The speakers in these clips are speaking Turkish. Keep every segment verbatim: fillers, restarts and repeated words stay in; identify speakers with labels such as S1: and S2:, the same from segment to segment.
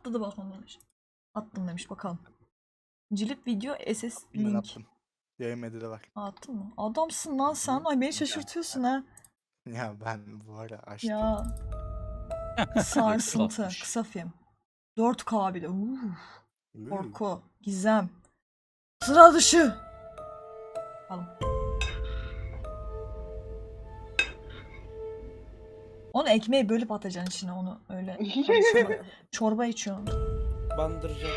S1: Atladı balkondan demiş. Attım demiş bakalım. Cilit video S S
S2: Ben
S1: link.
S2: attım. Yayın medyada var.
S1: Attın mı? Adamsın lan sen. Ay beni şaşırtıyorsun ha.
S2: Ya ben bu ara açtım.
S1: Ya. Sarsıntı.
S3: Atmış.
S1: Kısa film. dört K bir de. Uf.
S2: Üü.
S1: Korku. Gizem. Sıra dışı. Bakalım. Onu ekmeği bölüp atacaksın içine onu öyle. karıştırma. Çorba içiyorsun.
S3: Bandıracağım.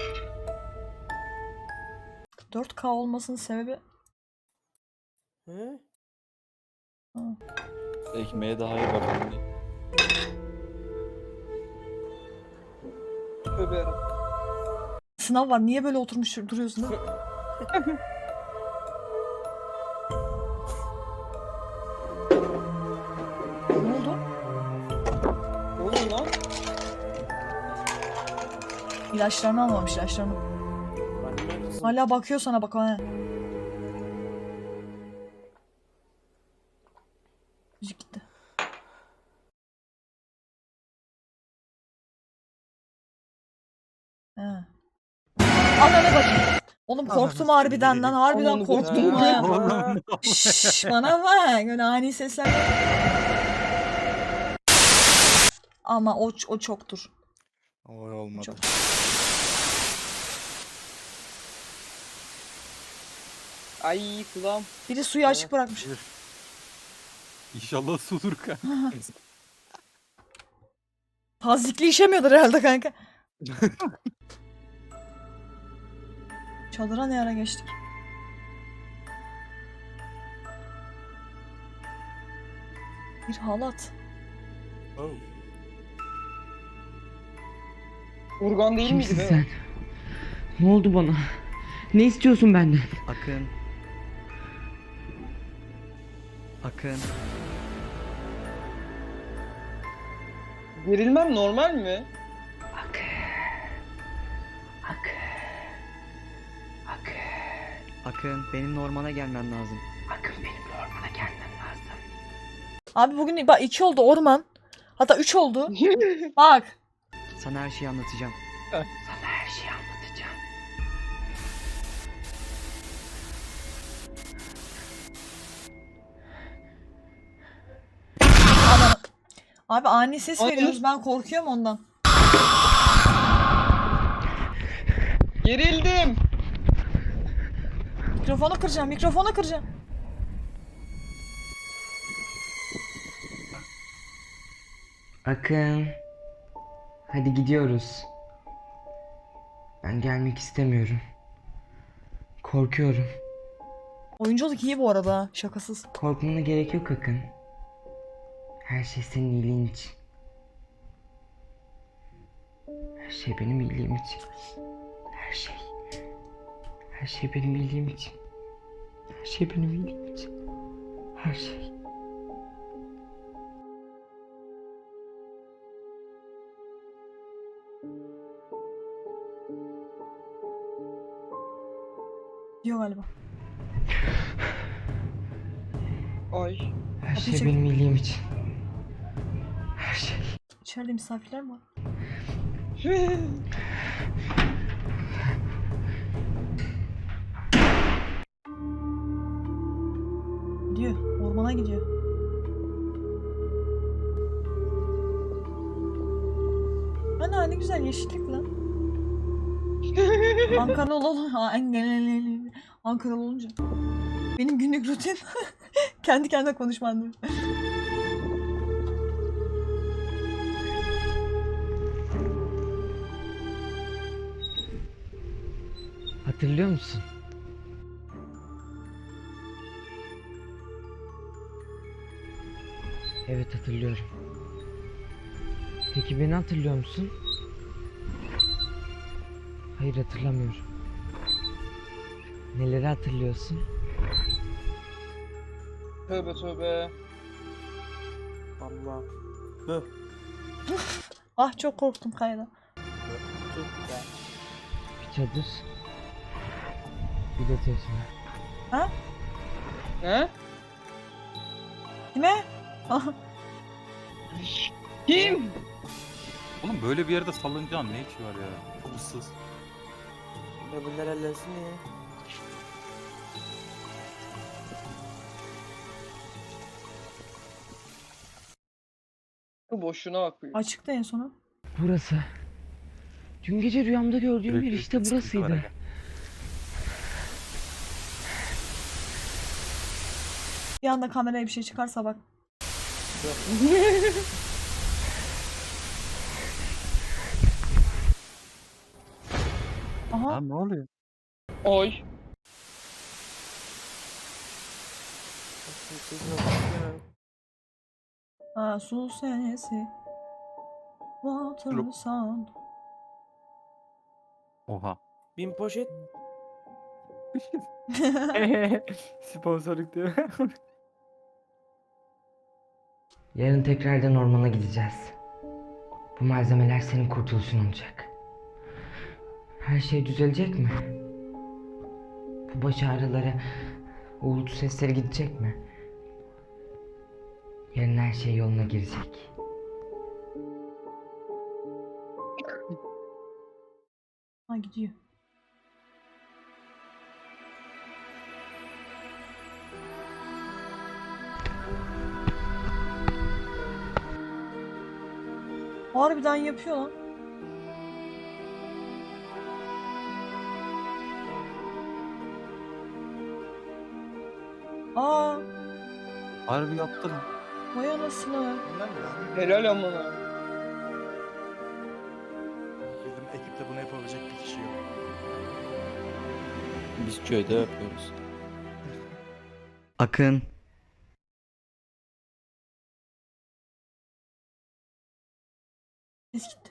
S1: dört K olmasının sebebi
S3: Hı?
S4: Ekmeğe daha iyi bakalım diye.
S3: Tövbe yarabbim.
S1: sınav var. Niye böyle oturmuş duruyorsun da? Ne oldu?
S3: Ne oluyor lan?
S1: İlaçlarını almamış ilaçlarını.
S3: Annem kızım.
S1: Hala bakıyor sana bak ha. Müzik gitti. He. Ananı bakayım. Oğlum korktum
S2: Ananı
S1: harbiden lan.
S2: sikeyim.
S1: Harbiden
S3: Ananı
S1: korktum
S3: bakayım.
S1: ha. Şşş bana bak. Öyle ani sesler. Ama o, o çoktur.
S2: O olmadı.
S1: Çok.
S3: Ay kulağım.
S1: Biri suyu açık bırakmış.
S4: İnşallah sudur kanka.
S1: Tazikli işemiyordur herhalde kanka. Çadıra ne ara geçtik? Bir halat.
S2: Oh.
S3: Urgan değil miydi
S5: Kimsin
S3: be?
S5: sen? Ne oldu bana? Ne istiyorsun benden?
S6: Akın. Akın.
S3: Gerilmem normal mi?
S5: Akın. Akın. Akın.
S6: Akın benimle ormana gelmen lazım.
S5: Akın benimle ormana gelmen lazım.
S1: Abi bugün bak iki oldu orman. Hatta üç oldu. Bak.
S6: Sana her şeyi anlatacağım.
S5: Sana her şeyi anlatacağım.
S1: Ana. Abi ani ses
S3: Ay.
S1: veriyoruz. Ben korkuyorum ondan.
S3: Gerildim.
S1: Mikrofonu kıracağım. Mikrofonu kıracağım.
S5: Akın. Hadi gidiyoruz. Ben gelmek istemiyorum. Korkuyorum.
S1: Oyunculuk iyi bu arada. ha, Şakasız.
S5: Korkmana gerek yok Akın. Her şey senin iyiliğin için. Her şey benim iyiliğim için. Her şey. Her şey benim iyiliğim için. Her şey benim iyiliğim için. Her şey.
S1: Diyor galiba.
S3: Ay.
S5: Her
S1: Kapıyı
S5: şey
S1: çek.
S5: benim iyiliğim için. Her şey.
S1: İçeride misafirler mi var? Gidiyor. Ormana gidiyor. Ana ne güzel yeşillik lan. Ankaralı olun. Ankaralı olunca. Benim günlük rutin. Kendi kendine konuşmam diyor.
S5: Hatırlıyor musun? Evet hatırlıyorum. Peki beni hatırlıyor musun? Hayır hatırlamıyorum. Neleri hatırlıyorsun?
S3: Tövbe tövbe. Allah. Hı.
S1: Ah çok korktum Kayra.
S5: Bir çadır. Bir de teşme.
S1: Ha?
S3: He?
S1: Kime? Ah,
S3: Kim?
S4: Oğlum böyle bir yerde salınacağın ne işi var ya? Çok ıssız.
S7: Öbürler ellensin ya.
S3: Bu boşluğuna bakıyor.
S1: Açıktı en sonu.
S5: Burası. Dün gece rüyamda gördüğüm yer
S4: Sürekli
S5: işte
S4: sıkıntı var
S5: burasıydı.
S4: aga.
S1: Bir anda kameraya bir şey çıkarsa bak. Aha.
S4: Lan ne oluyor?
S3: Oy.
S1: Ha, su senesi. Water
S2: Look.
S1: sound.
S4: Oha.
S7: Bin poşet.
S5: Sponsorluk diyor. Yarın tekrardan ormana gideceğiz. Bu malzemeler senin kurtuluşun olacak. Her şey düzelecek mi? Bu baş ağrıları, uğultu sesleri gidecek mi? Yarın her şey yoluna girecek.
S1: Ha gidiyor. Harbiden yapıyor lan. Aa,
S4: Harbi yaptı lan.
S1: vay anasını.
S2: Bunlar mı lan?
S3: Helal amına.
S2: Bizim ekipte bunu yapabilecek bir kişi yok.
S4: Biz köyde yapıyoruz.
S6: Akın.
S1: Ses gitti.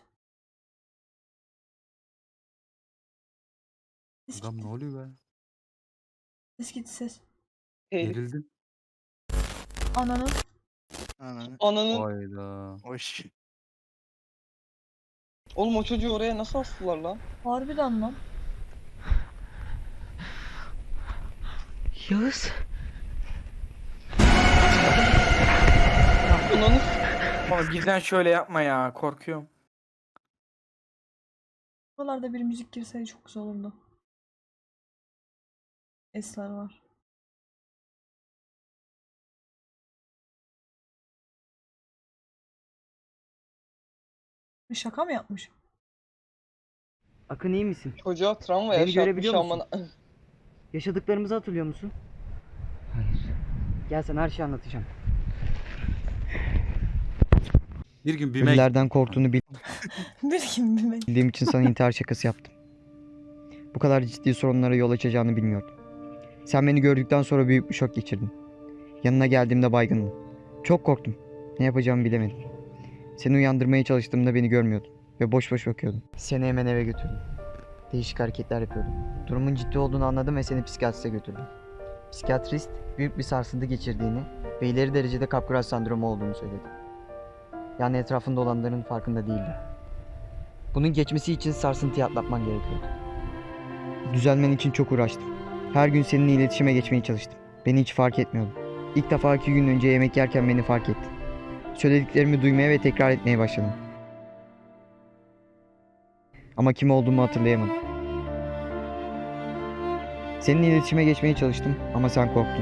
S1: Ses
S4: Adam
S1: gitti.
S4: ne oluyor be?
S1: Ses gitti ses.
S3: Herif.
S4: Gerildim.
S1: Ananın.
S2: Ananı.
S3: Ananın.
S4: Hayda.
S2: O iş.
S3: Oğlum o çocuğu oraya nasıl astılar lan?
S1: Harbiden lan.
S5: Yağız.
S3: Ananı.
S7: Ama birden şöyle yapma ya. Korkuyorum.
S1: Buralarda bir müzik girseydi çok güzel olurdu. Esler var. Bir şaka mı yapmış?
S6: Akın iyi misin?
S3: Çocuğa travma
S6: Beni
S3: yaşatmış
S6: görebiliyor musun?
S3: amına.
S6: Yaşadıklarımızı hatırlıyor musun?
S5: Hayır.
S6: Gel sana her şeyi anlatacağım.
S4: Bir gün BİM'e
S5: Ölülerden korktuğunu
S1: Bir kim bilmek.
S5: bildiğim için sana intihar şakası yaptım. Bu kadar ciddi sorunlara yol açacağını bilmiyordum. Sen beni gördükten sonra büyük bir şok geçirdin. Yanına geldiğimde baygındın. Çok korktum. Ne yapacağımı bilemedim. Seni uyandırmaya çalıştığımda beni görmüyordun ve boş boş bakıyordun. Seni hemen eve götürdüm. Değişik hareketler yapıyordum. Durumun ciddi olduğunu anladım ve seni psikiyatriste götürdüm. Psikiyatrist büyük bir sarsıntı geçirdiğini ve ileri derecede kapkıraç sendromu olduğunu söyledi. Yani etrafında olanların farkında değildi. Bunun geçmesi için sarsıntıyı atlatman gerekiyordu. Düzelmen için çok uğraştım. Her gün seninle iletişime geçmeye çalıştım. Beni hiç fark etmiyordun. İlk defa iki gün önce yemek yerken beni fark ettin. Söylediklerimi duymaya ve tekrar etmeye başladım. Ama kim olduğumu hatırlayamadım. Seninle iletişime geçmeye çalıştım ama sen korktun.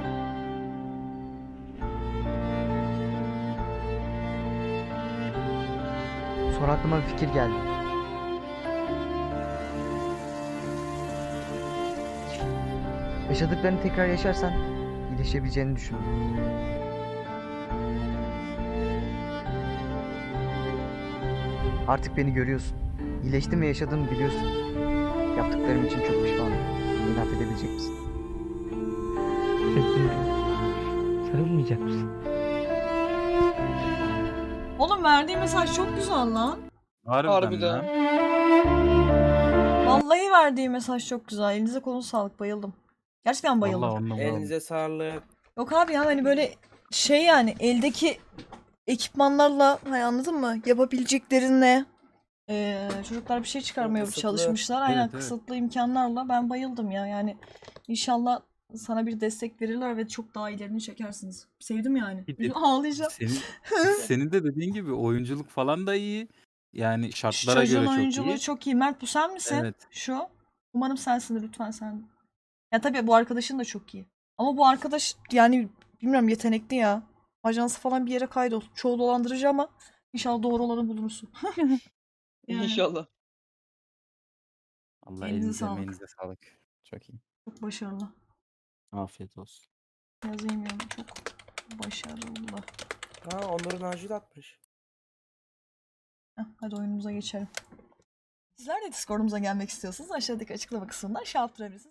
S5: Sonra aklıma bir fikir geldi. Yaşadıklarını tekrar yaşarsan iyileşebileceğini düşündüm. Artık beni görüyorsun. İyileştim ve yaşadığımı biliyorsun. Yaptıklarım için çok pişmanım. Beni affedebilecek misin? Sarılmayacak mısın?
S1: Oğlum verdiği mesaj çok güzel lan.
S4: Harbiden,
S3: Harbiden.
S4: lan.
S1: Vallahi verdiği mesaj çok güzel. Elinize kolun sağlık, bayıldım. Gerçekten bayıldım.
S4: Vallahi on numara olmuş.
S7: Elinize sağlık.
S1: Yok abi ya hani böyle şey yani eldeki ekipmanlarla hani anladın mı? Yapabileceklerinle eee, çocuklar bir şey çıkarmaya
S7: Kısıtlı.
S1: çalışmışlar. Aynen
S4: Evet, evet.
S1: kısıtlı imkanlarla ben bayıldım ya. Yani inşallah sana bir destek verirler ve çok daha ilerini çekersiniz. Sevdim yani.
S4: Bir de-
S1: Ağlayacağım.
S4: Senin, senin de dediğin gibi oyunculuk falan da iyi. Yani şartlara
S1: Çocuğun
S4: göre çok
S1: oyunculuğu
S4: iyi.
S1: çok iyi. Mert bu sen misin?
S4: Evet.
S1: Şu. Umarım sensindir, lütfen sen. Ya tabii bu arkadaşın da çok iyi. Ama bu arkadaş yani bilmiyorum, yetenekli ya. Ajansı falan bir yere kaydol. Çoğu dolandırıcı ama inşallah doğru olanı bulursun. Yani
S3: İnşallah.
S4: Allah
S1: Elinize
S4: elinize
S1: sağlık.
S4: emeğinize sağlık. Çok iyi.
S1: çok başarılı.
S4: Afiyet olsun.
S1: Yazayım yani, çok başarılı.
S7: Ha Onur'un acil atmış.
S1: Heh, hadi oyunumuza geçelim. Sizler de Discord'umuza gelmek istiyorsanız aşağıdaki açıklama kısmından şey yaptırabilirsiniz.